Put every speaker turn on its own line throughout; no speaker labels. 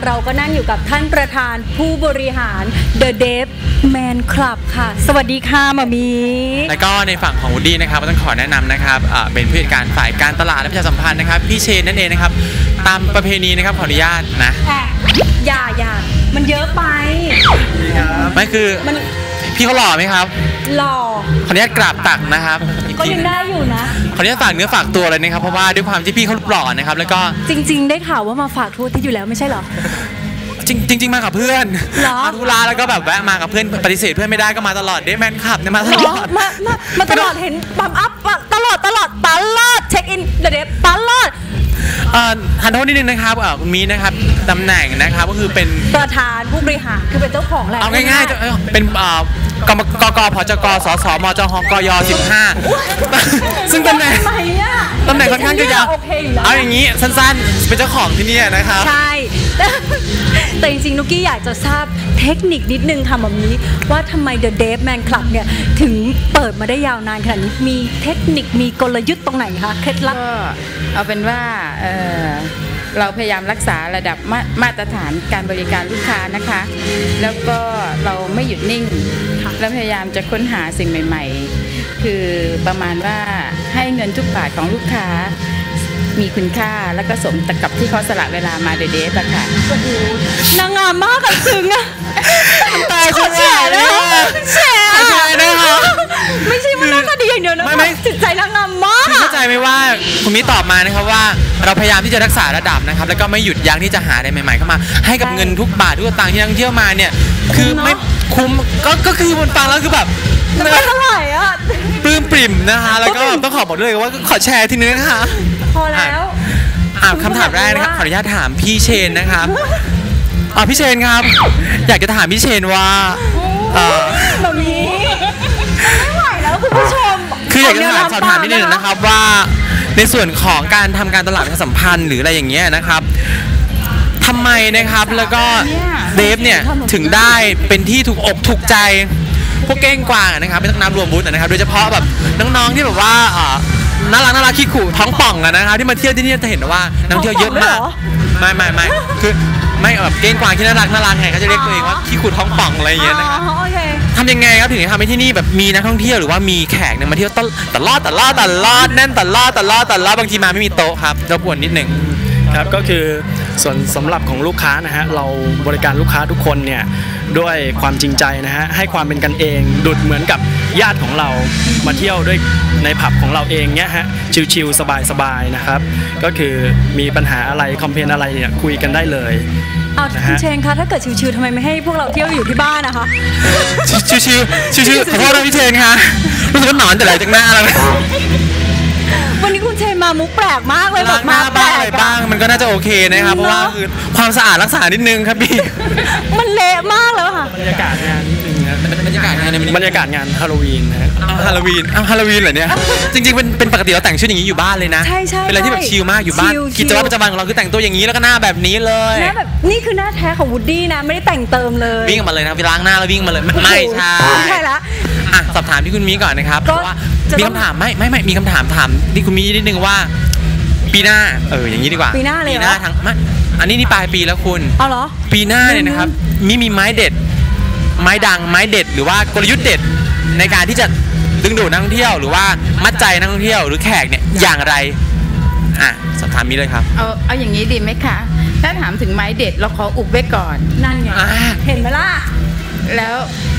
เราก็นั่งอยู่กับท่านประธานผู้บริหาร The Dave Man Club ค่ะสวัสดีค่ะหมอมี
แล้วก็ในฝั่งของวูดดี้นะครับก็ต้องขอแนะนำนะครับเป็นผู้จัดการฝ่ายการตลาดและประชาสัมพันธ์นะครับพี่เชนนั่นเองนะครับตามประเพณีนะครับขออนุญาตนะ
อย่ามันเยอะไป
ไม่คือพี่เขาหล่อไหมครับ
หล่อ
ขออนุญาตกราบตักนะครับ
ก็ยังได้อยู่นะ
ขออนุญาตฝากเนื้อฝากตัวเลยนะครับเพราะว่าด้วยความที่พี่เขาหล่อนะครับแล้วก็
จริงๆได้ข่าวว่ามาฝากทั่วที่อยู่แล้วไม่ใช่เหรอ
จริงมากับเพื่อนมาธุระแล้วก็แบบแวะมากับเพื่อนปฏิเสธเพื่อนไม่ได้ก็มาตลอดเดแมนขับเนี่ยมาตลอด
มาตลอดเห็นปั๊มอัพตลอดเช็คอินเดทตลอด
ทันโทษนิดนึงนะครับคุณมีนะครับตำแหน่งนะครับก็คือเป็น
ประธานผู้บริหารคือเป็นเจ้าของแหละ
เอาง่ายๆเป็นกกผจกสสมจหกย15ซึ่งตำแหน่งค่อนข้างจะยาวเอาอย่างนี้สั้นๆเป็นเจ้าของที่นี่นะครับ
ใช่แต่จริงๆนุกกี้อยากจะทราบเทคนิคนิดนึงค่ะแบบนี้ว่าทำไม The Dave Man Club เนี่ยถึงเปิดมาได้ยาวนานขนาดนี้มีเทคนิคมีกลยุทธ์ตรงไหนคะเคล็ดลับ
ก็เอาเป็นว่าเราพยายามรักษาระดับมาตรฐานการบริการลูกค้านะคะแล้วก็เราไม่หยุดนิ่งและพยายามจะค้นหาสิ่งใหม่ๆคือประมาณว่าให้เงินทุกบาทของลูกค้ามีคุณค่าแล้วก็สมกับที่เขาสละเวลามาเดทอะค่ะ
โอ้โหนางงามมากกับซึ้งอะ
ตายคน
แฉนะคะแฉนะคะไม่ใช่ว่าหน้าตาดีอย่างเดียวนะไม่จิตใจนางงามมาก
เข้าใจไหมว่าคุณมิตอบมานะครับว่าเราพยายามที่จะรักษาระดับนะครับแล้วก็ไม่หยุดยั้งที่จะหาอะไรใหม่ๆเข้ามาให้กับเงินทุกบาททุกสตางค์ที่นักท่องเที่ยวมาเนี่ยคือไม่คุ้มก็คือบนฟังแล้วคือแบบ
ไม่เท่าไหร่อ่ะ
ปลื้มปริ่มนะคะแล้วก็ต้องขอบอกด้วยว่าขอแชร์ทีนึงนะคะ
พอแล้ว
คำถามแรกนะครับขออนุญาตถามพี่เชนนะครับพี่เชนครับอยากจะถามพี่เชนว่า
แบบนี้ไม่ไหวแล้วคุณผู้ชม
คืออยากจะสอบถามนิดนึงนะครับว่าในส่วนของการทำการตลาดประชาสัมพันธ์หรืออะไรอย่างเงี้ยนะครับทำไมนะครับแล้วก็เดฟเนี่ยถึงได้เป็นที่ถูกอกถูกใจพวกเก้งกวางนะครับเป็นนักน้ำรวมบูธนะครับโดยเฉพาะแบบน้องๆที่แบบว่าน่ารักขี้ขู่ท้องป่องนะครับที่มาเที่ยวที่นี่จะเห็นว่านักเที่ยวเยอะมากไม่คือไม่แบบเก้งกวางที่น่ารักไงเขาจะเรียกตัวเองว่าขี้ขู่ท้องป่องอะไรอย่างเงี้ยนะครับทำยังไงครับถึงจะทำให้ที่นี่แบบมีนักท่องเที่ยวหรือว่ามีแขกเนี่ยมาเที่ยวตลอดแน่นตลอดบางทีมาไม่มีโต๊ะครับรบกวนนิดหนึ่ง
ครับก็คือส่วนสำหรับของลูกค้านะฮะเราบริการลูกค้าทุกคนเนี่ยด้วยความจริงใจนะฮะให้ความเป็นกันเองดุจเหมือนกับญาติของเรามาเที่ยวด้วยในผับของเราเองเนี้ยฮะชิลๆสบายๆนะครับก็คือมีปัญหาอะไรคอมเพลนอะไรเนี่ยคุยกันได้เลย
คุณเชนคะถ้าเกิดชิลๆทำไมไม่ให้พวกเราเที่ยวอยู่ที่บ้านนะคะ
ชิลขอโทษนะพี่เชนคะรู้สึกว่าหนอนแต่ไหนจากหน้าแล้ว
วันนี้คุณเชนมามุกแปลกมากเลยแบบมา
แปลกอะไรบ้างมันก็น่าจะโอเคนะครับเพราะว่าคือความสะอาดรักษานิดนึงครับพี่
มันเละมากแล้วค่ะ
บรรยากาศงานนิดนึงนะ
บรรยากาศง
านฮาโลวีนนะ
ฮาโลวีนเหรอเนี่ยจริงๆเป็นปกติเราแต่งชุดอย่างนี้อยู่บ้านเลยนะ
ใช่
เป็นอะไรที่แบบชิลมากอยู่บ้านกิจวัตรประจำวันของเราคือแต่งตัวอย่างนี้แล้วก็หน้าแบบนี้เลย
หน้าแบบนี่คือหน้าแท้ของวูดดี้นะไม่ได้แต่งเติมเลย
วิ่งมาเลยนะไปล้างหน้าแล้ววิ่งมาเลยไม่ใช่
ละ
สอบถามที่คุณมีก่อนนะครับเพราะว่ามีคำถามไม่มีคำถามที่คุณมีนิดนึงว่าปีหน้าอย่างนี้ดีกว่า
ปีหน้าเลย
ปีหน้าทั้งอันนี้ปลายปีแล้วคุณ
เอาเหรอ
ปีหน้าเนี่ยนะครับมีไม้เด็ดไม้ดังไม้เด็ดหรือว่ากลยุทธ์เด็ดในการที่จะดึงดูดนักท่องเที่ยวหรือว่ามัดใจนักท่องเที่ยวหรือแขกเนี่ยอย่างไรสอบถามมีเลยครับ
เอาอย่างนี้ดีไหมคะถ้าถามถึงไม้เด็ดเราขออุบไว้ก่อน
นั่นไงเห็นไหมล่ะ
แล้ว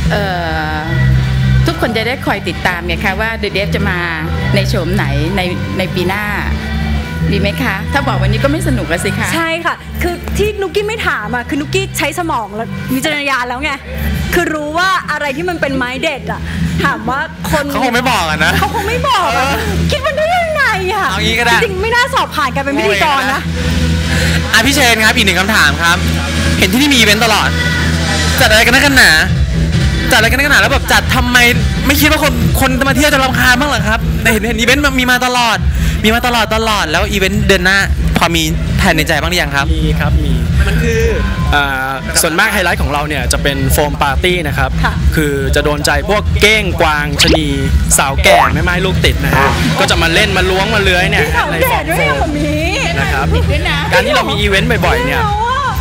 ทุกคนจะได้คอยติดตามไงคะว่าเดฟจะมาในโฉมไหนในปีหน้าดีไหมคะถ้าบอกวันนี้ก็ไม่สนุกแล้วสิคะ
ใช่ค่ะคือที่นุกกี้ไม่ถามคือนุกกี้ใช้สมองแล้ววิจารณญาณแล้วไงคือรู้ว่าอะไรที่มันเป็นไม้เด็ดถามว่าคน
เขาคงไม่บอกนะ
เขาคงไม่บอกคิดมันได้ยังไง
เอางี้ก็ได้
จริงไม่น่าสอบผ่านการเป็นพิธีกรนะ
พี่เชนครับอีกหนึ่งคำถามครับเห็นที่นี่มีอีเวนต์ตลอดจัดอะไรกันนักกันหนาแล้วแบบจัดทำไมไม่คิดว่าคนมาเที่ยวจะรำคาญบ้างเหรอครับเห็นอีเวนต์มีมาตลอดแล้วอีเวนต์เดือนหน้าพอมีแผนในใจบ้างหรือยังครับ
มีครับมี
มันคือ
ส่วนมากไฮไลท์ของเราเนี่ยจะเป็นโฟมปาร์ตี้นะครับคือจะโดนใจพวกเก้งกวางชะนีสาวแก่แม่ไม้ลูกติดนะฮะก็จะมาเล่นมาล้วงมาเลื้อยเนี่ย
ในโฟมนะครับ
การที่เรามีอีเวนต์บ่อยๆเนี่ย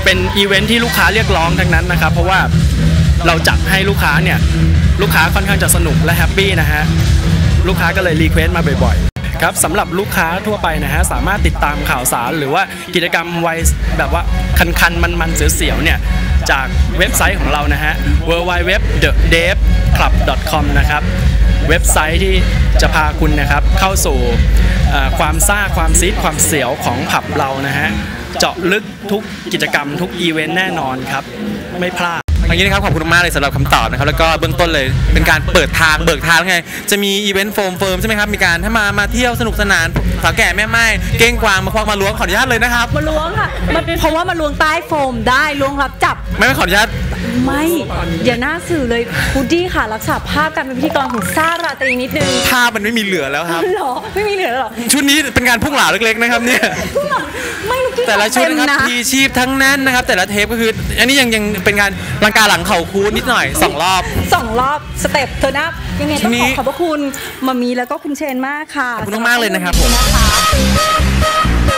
เป็นอีเวนท์ที่ลูกค้าเรียกร้องทั้งนั้นนะครับเพราะว่าเราจัดให้ลูกค้าเนี่ยลูกค้าค่อนข้างจะสนุกและแฮปปี้นะฮะลูกค้าก็เลยรีเควสต์มาบ่อยๆครับสำหรับลูกค้าทั่วไปนะฮะสามารถติดตามข่าวสารหรือว่ากิจกรรมวัยแบบว่าคันๆมันๆเสียวๆเนี่ยจากเว็บไซต์ของเรานะฮะ www.thedeveclub.com นะครับเว็บไซต์ที่จะพาคุณนะครับเข้าสู่ความซ่าความซีดความเสียวของผับเรานะฮะเจาะลึกทุกกิจกรรมทุกอีเวนต์แน่นอนครับไม่พลาด
อย่างนี้นะครับขอบคุณมากเลยสำหรับคำตอบนะครับแล้วก็เบื้องต้นเลยเป็นการเปิดทางเบิกทางไงจะมีอีเวนต์โฟมเฟิร์มใช่ไหมครับมีการถ้ามาเที่ยวสนุกสนานสาวแก่แม่ไม้เก้งกวางมาควักมาล้วงขออนุญาตเลยนะครับ
มาล้วงค่ะเพราะว่ามาล้วงใต้โฟมได้ล้วงรับจับ
ไม่ขออนุญาต
ไม่อย่าหน้าสื่อเลยวูดดี้ค่ะรักษาภาพการเป็นพิธีกรของซ่าราตรีนิดนึง
ภาพมันไม่มีเหลือแล้วครับ
หรอไม่มีเหลือหรอ
ชุดนี้เป็นการพุ่งเหลาเล็กๆนะครับเนี่ย
ไม่ลูกกี้
แต่ละชุดนะครับทีชีพทั้งนั้นนะครับแต่ละเทปก็คืออันนี้ยังเป็นการลังกาหลังเข่าคูนิดหน่อย2 รอบ
สเต็ปเธอนะยังไงต้องขอบพระคุณมามีแล้วก็คุณเชนมากค่ะ
ขอบคุณมากเลยนะครับผม